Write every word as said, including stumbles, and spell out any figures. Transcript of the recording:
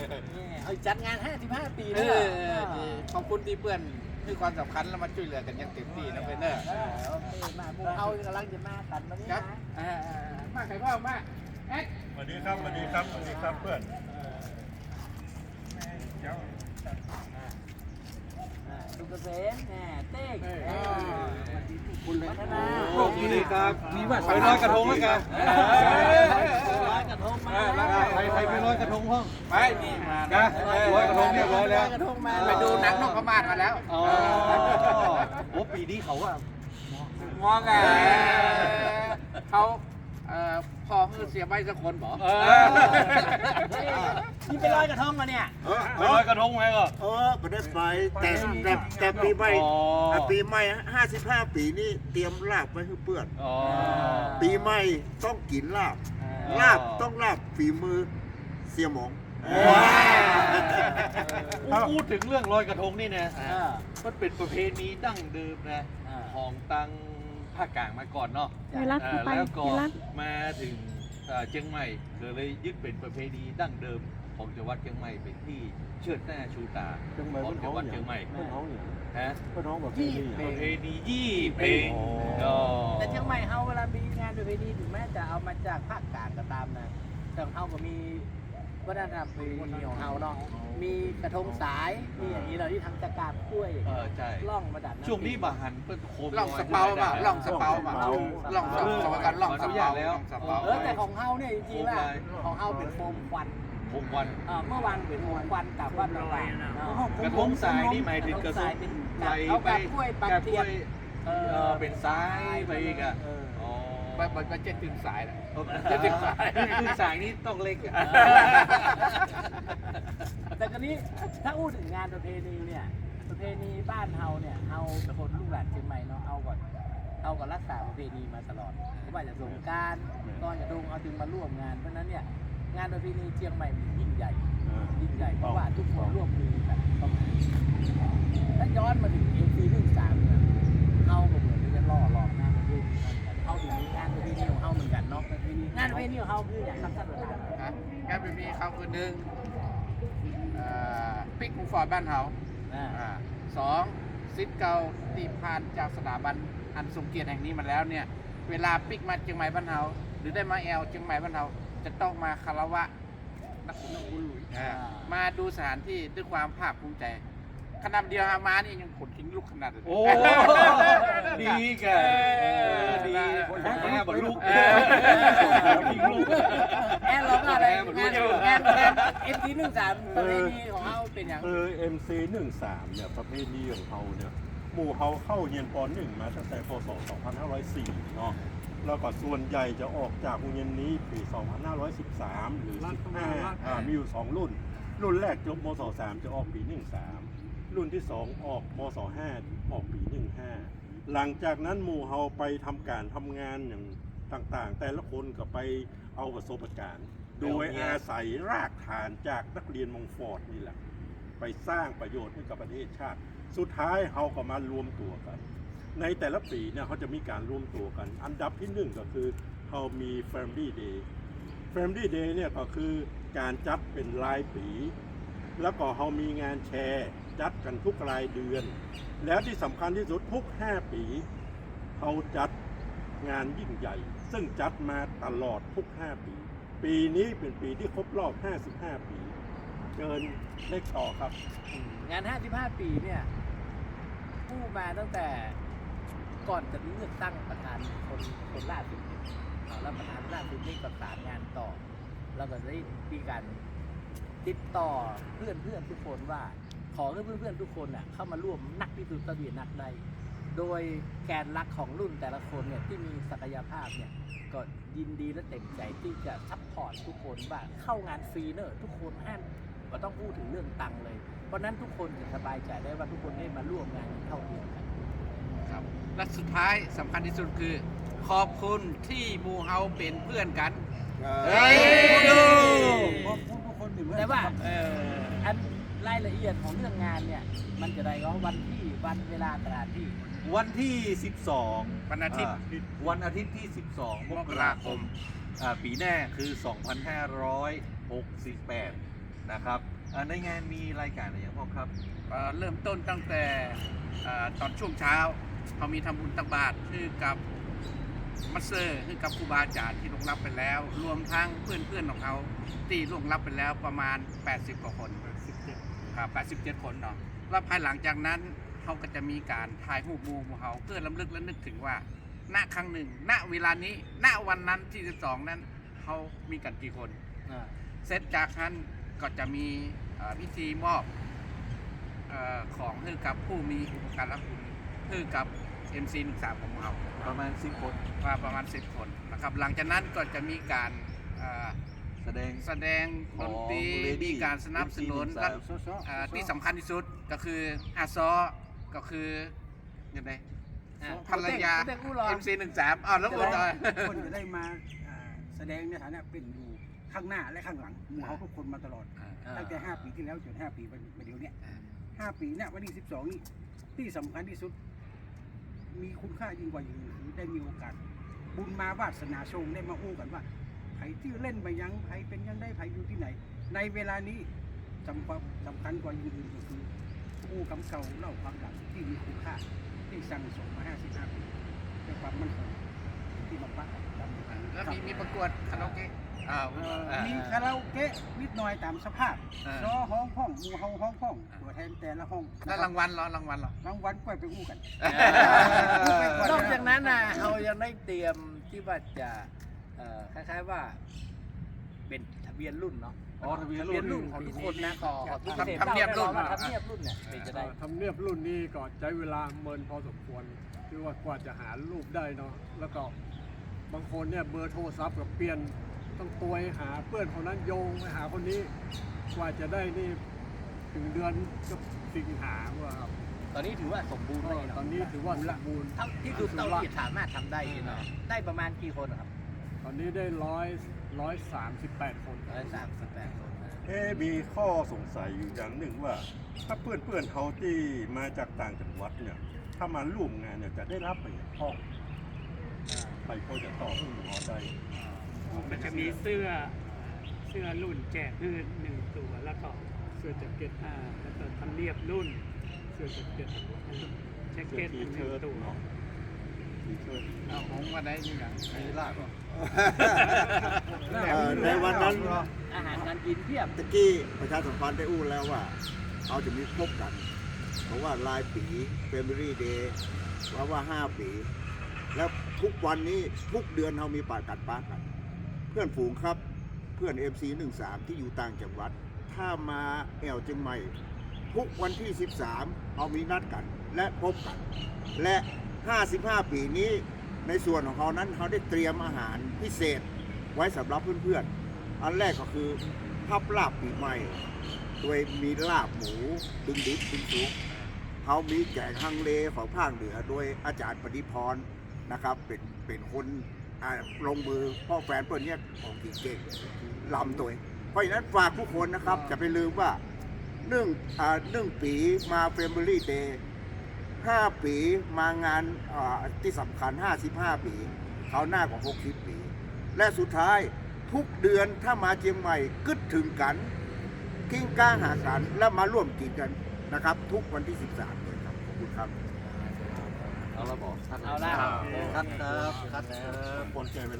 เอาจัดงานห้าสิบห้าปีเลยขอบคุณที่เพื่อนให้ความสำคัญแล้วมาช่วยเหลือกันอย่างเต็มที่นะเพื่อนเนอะโอเคมาพวกเขากำลังจะมากันวันนี้นะมาใครพ่อมาแอ๊กสวัสดีครับสวัสดีครับสวัสดีครับเพื่อนเจ้าสุกเกษมแหน่เต้งคุณเลยโชคดีครับมีว่าไปลอยกระทงแล้วกันลอยกระทงมาใครใครไปลอยกระทงห้องไปนี่มานะลอยกระทงเรียบร้อยแล้วไปดูหนังนกพม่ามาแล้วอ๋อโอ้ปีนี้เขาว่ามองไงเขาพอคือเสียใบสักคนบอกนี่ไปลอยกระทงมาเนี่ยไปลอยกระทงไหมก็เออไม่ได้ไปแต่แต่แต่ปีใหม่ปีใหม่ห้าสิบห้าปีนี่เตรียมลาบไว้ให้เพื่อนอ๋อปีใหม่ต้องกินลาบลาบต้องลาบฝีมือเสียหมองพูดถึงเรื่องลอยกระทงนี่นะมันเป็นประเพณีดั้งเดิมนะของตังภาคกลางมาก่อนเนาะ แล้วก็มาถึงเชียงใหม่เลยยึดเป็นประเพณีดั้งเดิมของจังหวัดเชียงใหม่เป็นที่เชิดหน้าชูตาของจังหวัดเชียงใหม่ฮะยี่ประเพณียี่เพลงแต่เชียงใหม่เฮาเวลามีงานประเพณีถึงแม้จะเอามาจากภาคกลางก็ตามนะแต่เฮาก็มีวัฒนธรรมประเพณีของเฮาเนาะมีกระทงสายมีอย่างนี้เราที่ทำจากกาบกล้วยเออใช่ล่องมาดัดช่วงนี้บาหันเป็นโคมล่องสเปาป่ะล่องสเปาป่ะล่องสเปากันล่องสเปาแล้วเออแต่ของเฮาเนี่ยจริงๆว่าของเฮาเป็นโฟมควันโคมวันเออเมื่อวานเป็นโฟมควันกับวันต่างๆกระทงสายนี่หมายถึงกระทงเป็นไปเอาไปกาบกล้วยปักกาบเทีกยล้นวยเออเป็นซ้ายไปอีกอ่ะอ๋อมันมันเจ็ดถึงสายนะจะถึงสายคือสายนี้ต้องเล็กแต่ตอนนี้ถ้าพูดถึงงานประเพณีเนี่ยประเพณีบ้านเฮาเนี่ยเฮาเป็นคนลูกหลานเชียงใหม่เนาะเอาก่อนเอาก่อนรักษาประเพณีมาตลอดไม่ว่าจะสงกรานต์ตอนกระทงเอาจึงมาร่วมงานเพราะฉะนั้นเนี่ยงานประเพณีเชียงใหม่มันยิ่งใหญ่ยิ่งใหญ่เพราะว่าทุกคนร่วมมือกันเข้ามาถ้าย้อนมาถึงเอ็มซีหนึ่งสามเนี่ยเฮาก็เหมือนจะล่อหลอกงานประเพณีเฮาถึงมีงานประเพณีของเฮาเหมือนกันเนาะงานประเพณีของเฮาคืออย่างครับท่านประธานงานเป็นมีเขาคือหนึ่งปิกมุงฟอร์ดบ้านเฮาสองซิทเกาตีพานจากสถาบันอันทรงเกียรติแห่งนี้มาแล้วเนี่ยเวลาปิกมาเชียงใหม่บ้านเฮาหรือได้มาแอลเชียงใหม่บ้านเฮาจะต้องมาคารวะนักบุญนักบุญหลุยมาดูสถานที่ด้วยความภาคภูมิใจขนาดเดียวฮามานี่ยังขนทิ้งลูกขนาดเลยโอ้ดีแกดีแม่บอลลูกทิ้งลูกแอนร้องอะไรงานงานงานเอ็มทีหนึ่งสามประเพณีของเขาเป็นอย่างเออ เอ็ม ซี หนึ่งสามเนี่ยประเพณีของเขาเนี่ยหมู่เขาเข้าเรียนป หนึ่งมาตั้งแต่พศสองพันห้าร้อยสี่เนาะแล้วก็ส่วนใหญ่จะออกจากโรงเรียนนี้ปีสองพันห้าร้อยสิบสามหรือสิบห้าอ่ามีอยู่สองรุ่นรุ่นแรกจบมศสามจะออกปีหนึ่งสามรุ่นที่สองออกมศห้าออกปีหนึ่งห้าหลังจากนั้นหมู่เฮาไปทำการทำงานอย่างต่างๆ แต่ละคนก็ไปเอาประสบการณ์โดยอาศัยรากฐานจากนักเรียนมงฟอร์ดนี่แหละไปสร้างประโยชน์ให้กับประเทศชาติสุดท้ายเฮาก็มารวมตัวกันในแต่ละปีเนี่ยเขาจะมีการรวมตัวกันอันดับที่หนึ่งก็คือเขามี Family Day Family Day เนี่ยก็คือการจัดเป็นรายปีแล้วก็เขามีงานแชร์จัดกันทุกรายเดือน แล้วที่สำคัญที่สุดทุกห้าปีเขาจัดงานยิ่งใหญ่ซึ่งจัดมาตลอดทุกห้าปีปีนี้เป็นปีที่ครบรอบห้าสิบห้าปีเกินเลขต่อครับงานห้าสิบห้าปีเนี่ยผู้มาตั้งแต่ก่อนจะเลือกตั้งประธานคนคนล่าสุดแล้วประธานล่าสุดนี่ประสานงานต่อแล้วก็ได้มีการติดต่อเพื่อนเพื่อนทุกคนว่าขอให้เพื่อนเพื่อนทุกคนน่ะเข้ามาร่วมนักพิสูจน์ทะเบียนนักได้โดยแกนหลักของรุ่นแต่ละคนเนี่ยที่มีศักยภาพเนี่ยก็ยินดีและเต็มใจที่จะซัพพอร์ตทุกคนว่าเข้างานฟรีเนอะทุกคนห้ามก็ต้องพูดถึงเรื่องตังค์เลยเพราะนั้นทุกคนจะสบายใจได้ว่าทุกคนได้มาร่วมงานเท่าเทียมกันครับและสุดท้ายสำคัญที่สุดคือขอบคุณที่หมู่เฮาเป็นเพื่อนกันเฮ้ยแต่ว่าอันรายละเอียดของเรื่องงานเนี่ยมันจะได้ก็วันที่วันเวลาสถานที่วันที่สิบสองวันอาทิตย์วันอาทิตย์ที่สิบสองมกราคมปีหน้าคือสองพันห้าร้อยหกสิบแปดนะครับอ่าในงานมีรายการอะไรอย่างพ่อครับเอ่อเริ่มต้นตั้งแต่เอ่อตอนช่วงเช้าเขามีทำบุญตักบาตรคือกับมัสเซอร์คือกับครูบาอาจารย์ที่ล่วงลับไปแล้ว รวมทั้งเพื่อนเพื่อนๆของเขาที่ล่วงลับไปแล้วประมาณ แปดสิบ กว่าคนครับแปดสิบเจ็ด คนเนาะแล้วภายหลังจากนั้นเขาก็จะมีการถ่ายรูปหมู่ของเขาเพื่อลำลึกและนึกถึงว่าณครั้งหนึ่ง ณเวลานี้ณวันนั้นที่สิบสองนั้นเขามีกันกี่คนอ่าเสร็จจากนั้นก็จะมีเอ่อพิธีมอบเออของให้กับผู้มีอุปการะคุณให้กับ เอ็ม ซี หนึ่งสาม ของเราประมาณสิบคนว่าประมาณสิบคนนะครับหลังจากนั้นก็จะมีการเอ่อแสดงแสดงดนตรีของ Lady มีการสนับสนุนเอ็มซีและหนึ่งสามเอ่อที่สำคัญที่สุดก็คืออาซอก็คือยังไงอ่าภรรยาเด็กอู้รอเอ็ม ซี หนึ่งสามอ้าวแล้วอุดรคนจะได้มาอ่าแสดงในฐานะเป็นอยู่ข้างหน้าและข้างหลังหมู่เขาทุกคนมาตลอด ตั้งแต่ห้าปีที่แล้วจนห้าปีมาเดี๋ยวเนี้ยห้าปีเนี่ยวันที่สิบสองนี่ที่สำคัญที่สุด มีคุณค่ายิ่งกว่าอย่างอื่นคือได้มีโอกาส บุญมาวาสนาชงได้มาอู้กันว่าใครที่เล่นไปยังใครเป็นยังได้ใครอยู่ที่ไหน ในเวลานี้สำคัญสำคัญกว่าอย่างอื่นก็คืออู้คำเก่าเล่าความหลังที่มีคุณค่าที่สั่งสมมาห้าสิบห้าปีด้วยความมั่นคงที่มาปักจำแล้วมีมีประกวดคาราโอเกะอ้าวเอ่ออ่ามีคาราโอเกะนิดหน่อยตามสภาพอ่าซอห้องห้องหมู่เฮาห้องห้องตัวแทนแต่ละห้องแล้วรางวัลเหรอรางวัลเหรอรางวัลก็ไปอู้กันนอกจากนั้นนะเรายังได้เตรียมที่ว่าจะเอ่อคล้ายๆว่า เป็นทะเบียนรุ่นเนาะอ๋อทะเบียนรุ่นรุ่นของทุกคนนะขอขอทุกทำทำเนียบรุ่นทำเนียบรุ่นเนี่ยเป็นจะได้ทำเนียบรุ่นนี้ก็ใช้เวลาเมินพอสมควรที่ว่ากว่าจะหารูปได้เนาะแล้วก็บางคนเนี่ยเบอร์โทรศัพท์กับเปลี่ยนต้องตัวหาเพื่อนคนนั้นโยงไปหาคนนี้กว่าจะได้นี่ถึงเดือนก็สิงหาว่าครับตอนนี้ถือว่าสมบูรณ์เลยตเนาะอนนี้ถือว่าสมบูรณ์เท่าที่ดูเท่าที่สามารถทำได้เนาะได้ประมาณกี่คนครับตอนนี้ได้ร้อยร้อยสามสิบแปดคนร้อยสามสิบแปดคนนะเอ๊ะมีข้อสงสัยอยู่อย่างหนึ่งว่า ถ้าเพื่อนเพื่อนๆเขาที่มาจากต่างจังหวัดเนี่ยถ้ามาร่วมงานเนี่ยจะได้รับไปห้องไปพอจะต่อหอได้มันจะมีเสื้อเสื้อรุ่นแจกคือหนึ่งตัวแล้วก็เสื้อแจ็คเก็ตอ่าแล้วก็ทำเนียบรุ่นเสื้อแจ็คเก็ตแจ็คเก็ตทีอีกหเชิ้นึ่งตตัวเนาะทีเชิ้ตเอาผมมาได้ยังไงมีลาบเหรอเอ่อในวันนั้นอาหารการกินเพียบตะกี้ประชาสัมพันธ์ได้อู้แล้วว่าเขาจะมีพบกัน เพราะว่ารายปี Family Day ว่าว่าห้าปี แล้วทุกวันนี้ทุกเดือนเรามีปากัดปากัน เพื่อนฝูงครับเพื่อน เอ็ม ซี หนึ่งสาม ที่อยู่ต่างจังหวัด ถ้ามาแอวเชียงใหม่ ทุกวันที่ สิบสาม เรามีนัดกันและพบกัน และ ห้าสิบห้า ปีนี้ในส่วนของเขานั้นเขาได้เตรียมอาหารพิเศษไว้สำหรับเพื่อนๆ อันแรกก็คือพับลาบปีใหม่ โดยมีลาบหมูดึงดิบดึงสุกเขามีแกงฮังเลของภาคเหนือโดยอาจารย์ปฏิพรนะครับเป็นเป็นคนอ่าลงมือพ่อแฟนเปิ้ลเนี่ยของกี่เก่งลำตัวเองเพราะฉะนั้นฝากทุกคนนะครับจะไปลืมว่าหนึ่งอ่าหนึ่งปีมา Family Day ห้าปีมางานอ่าที่สำคัญห้าสิบห้าปีเขาหน้ากว่าหกสิบปี และสุดท้ายทุกเดือนถ้ามาเชียงใหม่กึดถึงกันกิ้งก้างหากันแล้วมาร่วมกินกันนะครับ ทุกวันที่สิบสามเลยครับขอบคุณครับเอาละบอกคัดเอาละคัดครับคัดครับคนใจเวลา